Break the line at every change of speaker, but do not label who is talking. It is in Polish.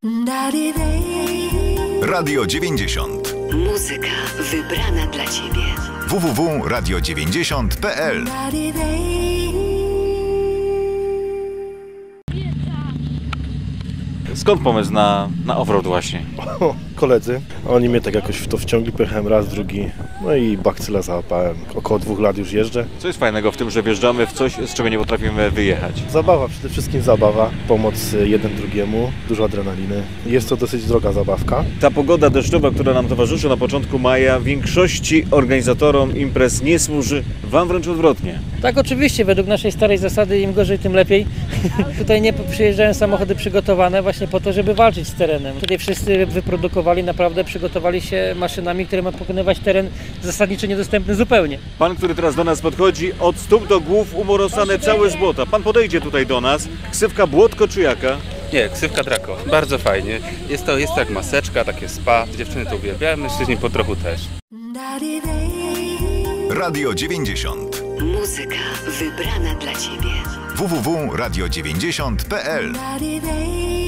Radio 90.
Muzyka wybrana dla Ciebie.
www.radio90.pl.
Skąd pomysł na offroad właśnie?
Koledzy, oni mnie tak jakoś w to wciągli, pojechałem raz, drugi, no i bakcyla załapałem. Około 2 lat już jeżdżę.
Co jest fajnego w tym, że wjeżdżamy w coś, z czego nie potrafimy wyjechać?
Zabawa, przede wszystkim zabawa, pomoc jeden drugiemu, dużo adrenaliny. Jest to dosyć droga zabawka.
Ta pogoda deszczowa, która nam towarzyszy na początku maja, większości organizatorom imprez nie służy, wam wręcz odwrotnie.
Tak, oczywiście, według naszej starej zasady im gorzej, tym lepiej. Tutaj nie przyjeżdżają samochody przygotowane właśnie po to, żeby walczyć z terenem. Tutaj wszyscy wyprodukowali, naprawdę przygotowali się maszynami, które ma pokonywać teren zasadniczo niedostępny zupełnie.
Pan, który teraz do nas podchodzi, od stóp do głów umorosane całe z błota. Pan podejdzie tutaj do nas. Ksywka Błotko czy jaka?
Nie, ksywka Draco. Bardzo fajnie. Jest to jak maseczka, takie spa. Dziewczyny to uwielbiają, mężczyźni po trochu też.
Radio 90.
Muzyka wybrana dla Ciebie.
www.radio90.pl.